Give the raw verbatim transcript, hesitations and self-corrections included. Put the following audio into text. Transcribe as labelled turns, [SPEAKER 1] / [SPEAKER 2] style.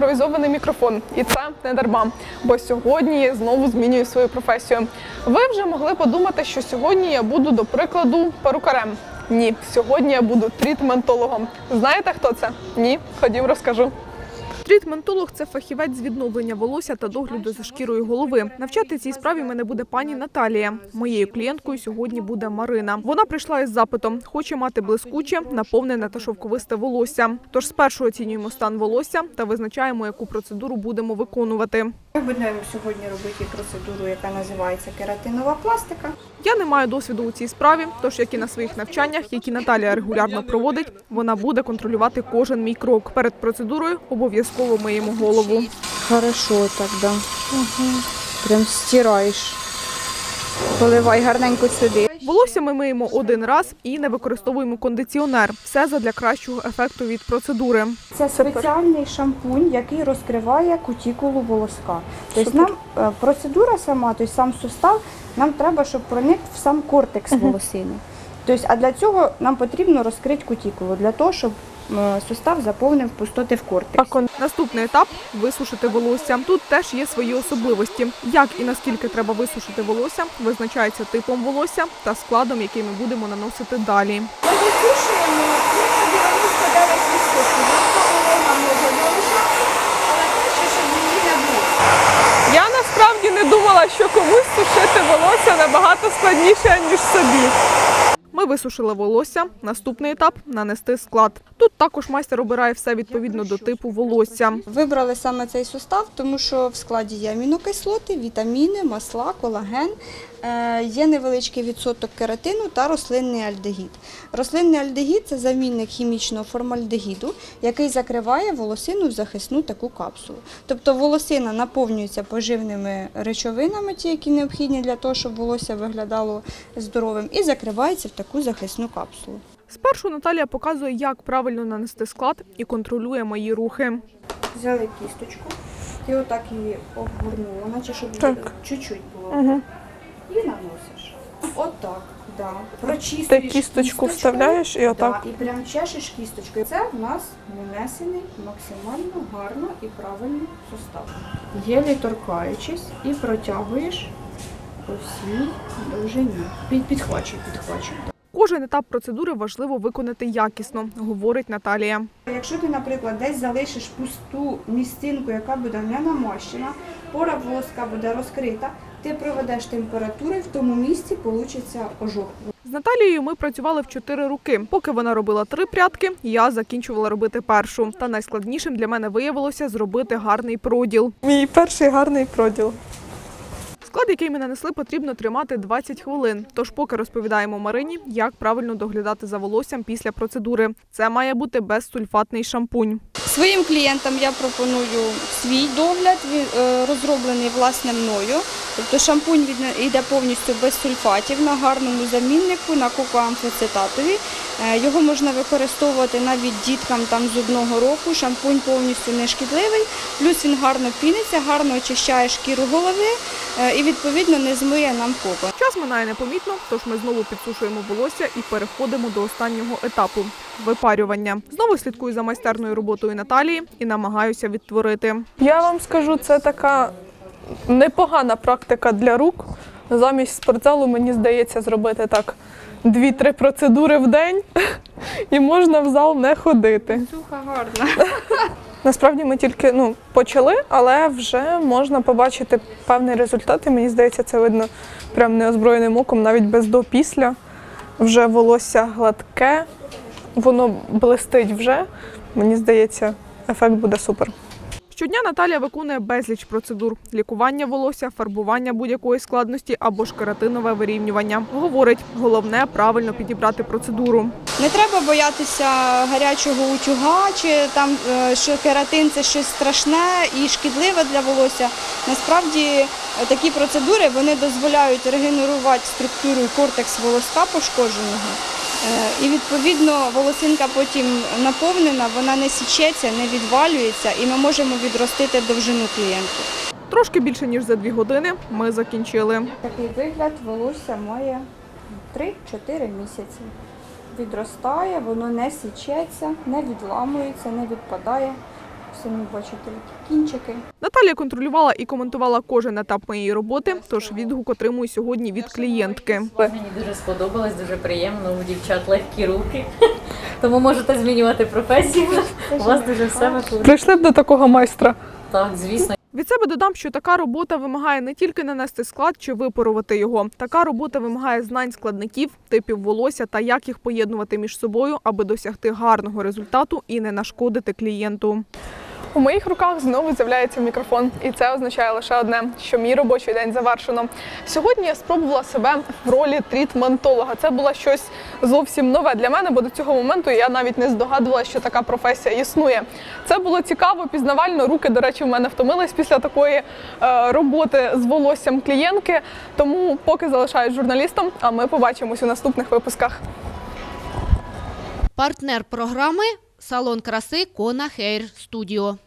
[SPEAKER 1] імпровізований мікрофон. І це не дарма, бо сьогодні я знову змінюю свою професію. Ви вже могли подумати, що сьогодні я буду, до прикладу, перукарем. Ні, сьогодні я буду трітментологом. Знаєте, хто це? Ні? Ходім, розкажу. Трітментолог – це фахівець з відновлення волосся та догляду за шкірою голови. Навчати цій справі мене буде пані Наталія. Моєю клієнткою сьогодні буде Марина. Вона прийшла із запитом – хоче мати блискуче, наповнене та шовковисте волосся. Тож спершу оцінюємо стан волосся та визначаємо, яку процедуру будемо виконувати.
[SPEAKER 2] Ми будемо сьогодні робити процедуру, яка називається кератинова пластика.
[SPEAKER 1] Я не маю досвіду у цій справі, тож, як і на своїх навчаннях, які Наталія регулярно проводить, вона буде контролювати кожен мій крок. Перед процедурою обов'язково миємо голову.
[SPEAKER 2] Хорошо так, да. Угу. Прям стираєш. Поливай гарненько сюди.
[SPEAKER 1] Волосся ми миємо один раз і не використовуємо кондиціонер. Все задля кращого ефекту від процедури.
[SPEAKER 2] Це спеціальний шампунь, який розкриває кутікулу волоска. Тобто нам процедура сама, тобто сам сустав, нам треба, щоб проник в сам кортекс волосини. Тобто, а для цього нам потрібно розкрити кутікулу, для того, щоб сустав заповнив пустоти в кортексі.
[SPEAKER 1] Наступний етап – висушити волосся. Тут теж є свої особливості. Як і наскільки треба висушити волосся, визначається типом волосся та складом, який ми будемо наносити далі.
[SPEAKER 2] Ми висушуємо дев'яносто дев'ять відсотків. Вона може залишатися, але краще, щоб її не було.
[SPEAKER 1] Я насправді не думала, що комусь сушити волосся набагато складніше, ніж собі. Ми висушили волосся. Наступний етап – нанести склад. Тут також майстер обирає все відповідно до типу волосся.
[SPEAKER 2] Вибрали саме цей сустав, тому що в складі є амінокислоти, вітаміни, масла, колаген, є невеличкий відсоток кератину та рослинний альдегід. Рослинний альдегід – це замінник хімічного формальдегіду, який закриває волосину в захисну таку капсулу. Тобто волосина наповнюється поживними речовинами, ті, які необхідні для того, щоб волосся виглядало здоровим, і закривається в таку захисну капсулу.
[SPEAKER 1] Спершу Наталія показує, як правильно нанести склад і контролює мої рухи.
[SPEAKER 2] Взяли кісточку, ти отак її обгорнула, наче щоб чуть-чуть було.
[SPEAKER 1] Угу.
[SPEAKER 2] І наносиш. Отак, да. Прочистиш
[SPEAKER 1] Ти кісточку вставляєш і отак?
[SPEAKER 2] Да, і прям чешеш кісточкою. Це в нас нанесений максимально гарно і правильно сустав. Єлі торкаючись і протягуєш по всій довжині. Під, підхвачуй, підхвачуй.
[SPEAKER 1] Кожен етап процедури важливо виконати якісно, говорить Наталія.
[SPEAKER 2] Якщо ти, наприклад, десь залишиш пусту місцинку, яка буде не намащена, пора волоска буде розкрита, ти проведеш температури, в тому місці вийде ожог.
[SPEAKER 1] З Наталією ми працювали в чотири роки. Поки вона робила три прядки, я закінчувала робити першу. Та найскладнішим для мене виявилося зробити гарний проділ. Мій перший гарний проділ. Склад, який ми нанесли, потрібно тримати двадцять хвилин. Тож поки розповідаємо Марині, як правильно доглядати за волоссям після процедури. Це має бути безсульфатний шампунь.
[SPEAKER 2] Своїм клієнтам я пропоную свій догляд, розроблений власне мною. Тобто шампунь йде повністю без сульфатів, на гарному заміннику, на кокоамфоцитатові. Його можна використовувати навіть діткам там, з одного року. Шампунь повністю не шкідливий, плюс він гарно піниться, гарно очищає шкіру голови і відповідно не змиє нам кокон.
[SPEAKER 1] Час минає непомітно, тож ми знову підсушуємо волосся і переходимо до останнього етапу – випарювання. Знову слідкую за майстерною роботою Наталії і намагаюся відтворити. Я вам скажу, це така непогана практика для рук. Замість спортзалу, мені здається, зробити так дві-три процедури в день і можна в зал не ходити.
[SPEAKER 2] Суха гарна.
[SPEAKER 1] Насправді ми тільки ну, почали, але вже можна побачити певний результат. І мені здається, це видно прям неозброєним оком, навіть без до-після. Вже волосся гладке, воно блистить вже. Мені здається, ефект буде супер. Щодня Наталія виконує безліч процедур – лікування волосся, фарбування будь-якої складності або ж кератинове вирівнювання. Говорить, головне – правильно підібрати процедуру.
[SPEAKER 2] Не треба боятися гарячого утюга, чи там, що кератин – це щось страшне і шкідливе для волосся. Насправді такі процедури вони дозволяють регенерувати структуру і кортекс волоска пошкодженого. І, відповідно, волосинка потім наповнена, вона не січеться, не відвалюється, і ми можемо відростити довжину клієнту.
[SPEAKER 1] Трошки більше, ніж за дві години ми закінчили.
[SPEAKER 2] Такий вигляд волосся має три-чотири місяці. Відростає, воно не січеться, не відламується, не відпадає. Самі бачите, які кінчики.
[SPEAKER 1] Наталія контролювала і коментувала кожен етап моєї роботи, тож відгук отримую сьогодні від клієнтки.
[SPEAKER 3] Мені дуже сподобалось, дуже приємно, у дівчат легкі руки, тому можете змінювати професію, у вас дуже все виходить.
[SPEAKER 1] Прийшли б до такого майстра.
[SPEAKER 3] Так, звісно.
[SPEAKER 1] Від себе додам, що така робота вимагає не тільки нанести склад чи випарувати його. Така робота вимагає знань складників, типів волосся та як їх поєднувати між собою, аби досягти гарного результату і не нашкодити клієнту. У моїх руках знову з'являється мікрофон, і це означає лише одне, що мій робочий день завершено. Сьогодні я спробувала себе в ролі трітментолога. Це було щось зовсім нове для мене, бо до цього моменту я навіть не здогадувалася, що така професія існує. Це було цікаво, пізнавально. Руки, до речі, в мене втомились після такої е, роботи з волоссям клієнтки. Тому поки залишаюсь журналістом, а ми побачимось у наступних випусках.
[SPEAKER 4] Партнер програми – салон краси Кона Хейр Студіо.